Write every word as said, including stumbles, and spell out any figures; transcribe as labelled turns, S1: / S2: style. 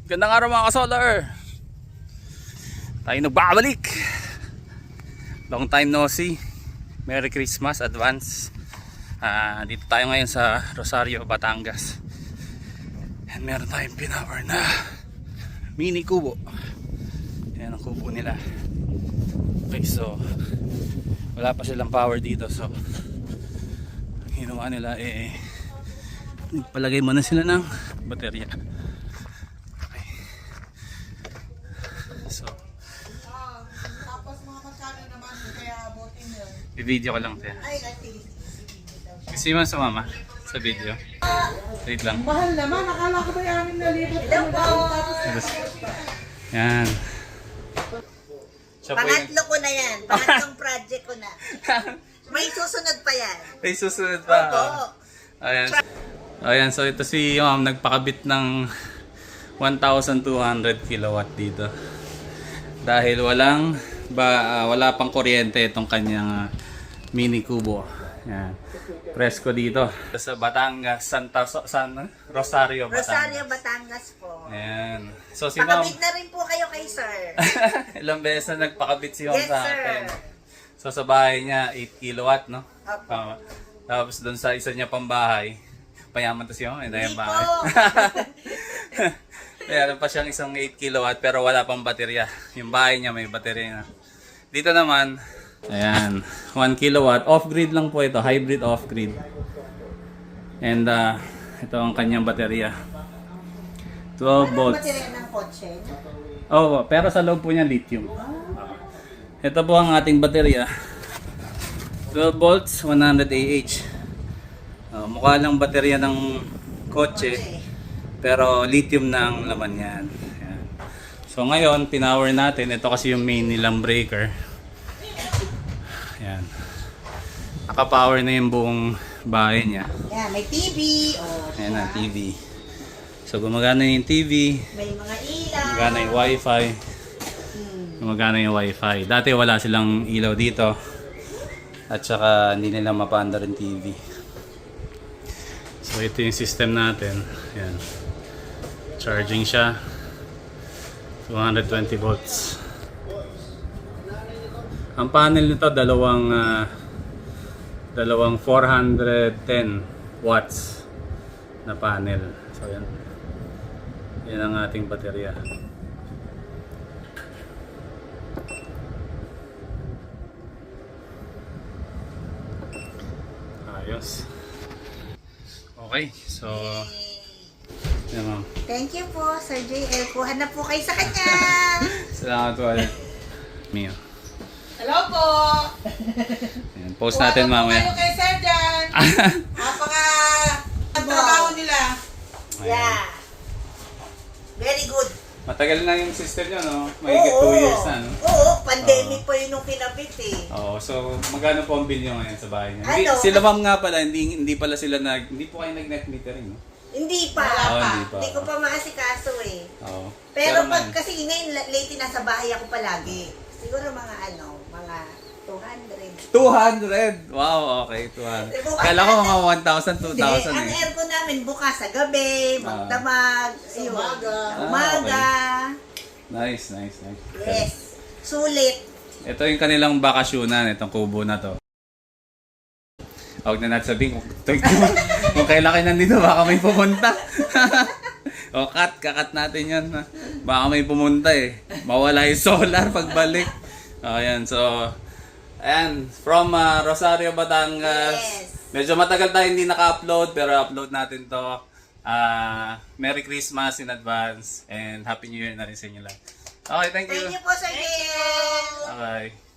S1: Gandang araw mga ka-solar. Tayo nagbabalik. Long time no see. Merry Christmas advance. uh, Dito tayo ngayon sa Rosario, Batangas. And meron tayong pinower na mini kubo. Yan ang kubo nila. Okay, so wala pa silang power dito. So ginawa nila eh, palagay mo na sila ng baterya. Okay. So
S2: tapos mga magkano naman kaya abutin yun.
S1: i-video ko lang tayo.
S2: Ay, activity.
S1: Gusto mo sumama sa video? Wait lang.
S2: Mahal naman, akala ko ba yamin na libot. Hello po.
S1: Yan. Siya po yung-
S3: Pangatlo ko na yan. Pangatlong project ko na. May susunod pa yan.
S1: May susunod pa.
S3: Opo.
S1: Ayan. Ayan, so ito si ma'am nagpakabit ng one thousand two hundred kilowatt dito. Dahil walang ba, uh, wala pang kuryente itong kanyang uh, mini kubo. Ayan. Presko dito sa Batangas, Santa so, San Rosario, Batangas.
S3: Rosario, Batangas po.
S1: Ayan. So si ma'am,
S3: Pakabit na rin po kayo kay sir.
S1: ilang beses na nagpakabit si ma'am
S3: Yes,
S1: sa
S3: sir.
S1: atin. So sa bahay niya eight kilowatt, no?
S3: Opo.
S1: Tama. Tapos doon sa isa niya pang bahay, payaman to siya, hindi yung
S3: Hindi
S1: bahay.
S3: po.
S1: Meron pa siyang isang eight kilowatt pero wala pang baterya. Yung bahay niya may baterya na. Dito naman, ayan, one kilowatt. Off-grid lang po ito, hybrid off-grid. And uh, ito ang kanyang baterya. twelve
S3: Ano ang
S1: volts.
S3: baterya ng kotse?
S1: Oh, pero sa loob po niya lithium. Ito po ang ating baterya. twelve volts, one hundred A H. Uh, mukha lang baterya ng kotse, pero lithium na ang laman yan. Ayan. So ngayon, pinower natin. Ito kasi yung main nilang breaker. Ayan. Naka-power na yung buong bahay niya.
S3: Yan, may T V. Oh,
S1: Ayan na, T V. So gumagana yung T V.
S3: may mga ilaw.
S1: Gumagana yung wifi.
S3: Hmm.
S1: Gumagana yung wifi. Dati wala silang ilaw dito. At saka hindi nila mapaandar yung T V. So ito yung system natin. Ayan. Charging siya. two hundred twenty volts. Ang panel nito dalawang uh, dalawang four hundred ten watts na panel. So yan. Yan ang ating baterya. Ayos. Okay, so yan ma'am.
S3: Thank you po, Sir J L. Kuha na po kayo sa kanya.
S1: Salamat po ulit. Mio.
S2: Hello po.
S1: Ayan, post natin mamaya.
S2: Kayo kay Sir Jan. Napaka trabaho nila.
S3: Yeah. Very good.
S1: Matagal na yung system nyo, no? Mahigit two years na, no?
S3: Oo, pandemic pa yun nung kinabit eh.
S1: Oo, so magkano po ang bill nyo ngayon sa bahay nyo? Hindi,
S3: Ano?
S1: sila ma'am nga pala, hindi, hindi pala sila nag, hindi po kayo nag-net metering, no?
S3: Hindi pa.
S1: Oo, hindi pa.
S3: Hindi ko pa maasikaso eh.
S1: Oo.
S3: Pero pag
S1: man,
S3: kasi ngayon lately nasa bahay ako palagi. Siguro mga ano, mga two hundred.
S1: two hundred! Wow, okay, two hundred. Kala ko mga one thousand, two
S3: Hindi,
S1: thousand
S3: ang
S1: eh.
S3: aircon namin bukas sa gabi, magdamag, ayun.
S2: umaga.
S3: Umaga.
S1: Nice, nice, nice.
S3: Yes. Sulit.
S1: Ito yung kanilang bakasyonan, itong kubo na to. Huwag na natin sabihin kung, kung kailan kayo nandito, baka may pumunta. O cut, kakat natin yan. Baka may pumunta eh. Mawala yung solar pagbalik. Ayan, so, ayan, from uh, Rosario, Batangas.
S3: Yes.
S1: Medyo matagal tayo hindi naka-upload, pero upload natin to. Uh, Merry Christmas in advance and Happy New Year na rin sa inyo lahat. Okay, thank you.
S3: Thank you po, Sir Gil.
S1: Bye.